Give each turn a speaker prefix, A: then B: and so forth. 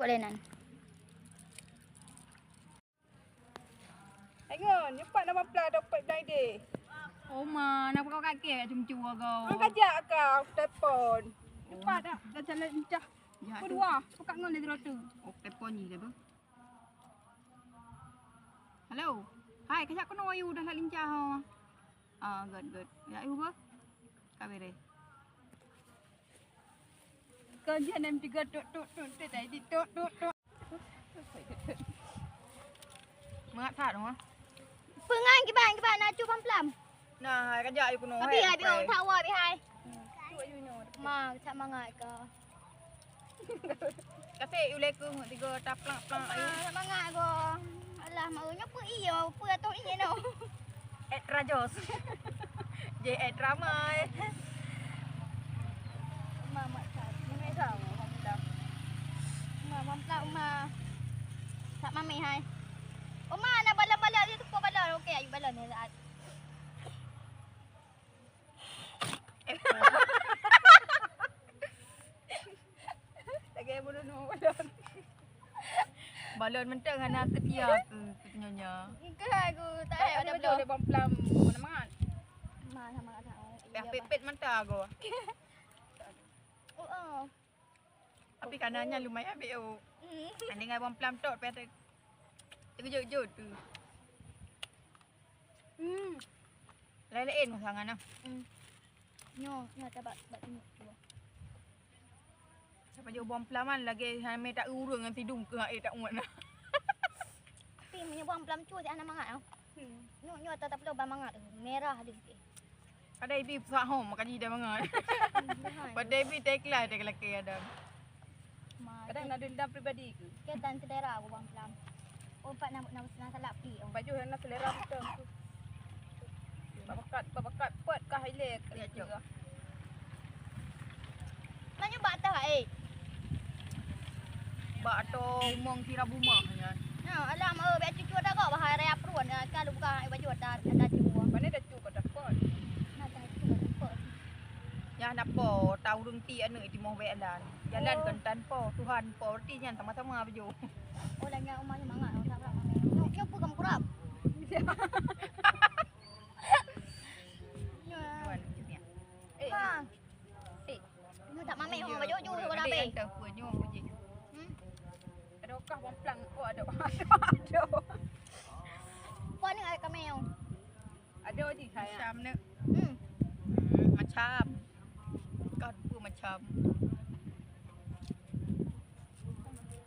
A: boleh nan.
B: Tengok, cepat nak mamplah dapat dah ide.
C: Oh ma, nak kau kakek cuma kau.
B: Kajak kau telefon. Cepat dah jalan lincah. Kedua, pekat ngol dari rotu.
C: Oh, telefon ni ke tu? Hello. Hai, kajak kono ayu dah nak lincah ha. Good. Ya ayu ba? Kabere.
B: Kau jangan tiga tok tadi tok.
C: Mengat tak dong ah?
A: Pengan kiban nak cu pam-plam.
C: Nah, kajak ayu kono.
A: Tapi hai biar tawa bi hai.
B: Cu ayu no.
A: Ma, tak mangat ke.
C: Kasi uleku tiga taplak ayu.
A: Tak mangat ke. Alah, maknya apa iya, apa atau ini no.
C: Rajos. J ramai.
A: Mama tak.
B: Ini dah mamplah.
A: Pam-plam ma. Tak mami hai. Oh ma, nak balon-balon dia tu kau balon. Okey, ayu balon ni saat.
B: Lagi bodoh balon.
C: Balon mentang anak setia ke nyonya.
A: Ke aku tak ada
B: Ada
A: balon.
B: betul mamplam. Mana mangat?
A: Ma sama tahu.
C: Pepet mentang aku.
A: Oh.
C: Tapi kanannya lumayan ambil. Andai ngai bom plam tok pet. Terkejut tu. Lain-lain sangat nah.
A: Nyo tak bat tengok tu.
C: Siapa dia bom plaman lagi hame tak urung dengan tidung ke tak muat nah.
A: Tapi menyebang pelam cu anak mangat tau. Nyo tak perlu bang mangat tu. Merah dia sikit.
C: Ada ibi pesah hom makan dia bangat. Pada ibi teklah dia kelaki ada.
B: Kadang nak dendam peribadi ke?
A: Ketan selera aku bang pelam. Oh, pak nak salak pi.
B: Baju nak selera betul. Babakat pot kah hilang
C: Ya,
B: ke juga.
A: Mana batah
C: Bak to mong kira rumah nya.
A: Alam biar cucu dah kau bahaya raya perun kalau bukan baju ada cucu.
B: Mana dah cuba dah pot.
A: Nak dah cucu.
C: Ya nak po tahu rung ti anu di mau welan. Jalan kentan po Tuhan po ti nya sama-sama baju.
A: Oh lanya umahnya mangat tak apa. Nyo apa kamu kurap?
C: Tuan macamnya.
A: Ha. Nyo tak mami orang baju ju kau dah be.
C: Tak punya puji.
B: Ada kah mamplang? Oh ada.
A: Kau ni ai kami yang.
B: Ada je saya.
C: Macam ni.
A: Hmm.
C: Macam. Kau pun macam.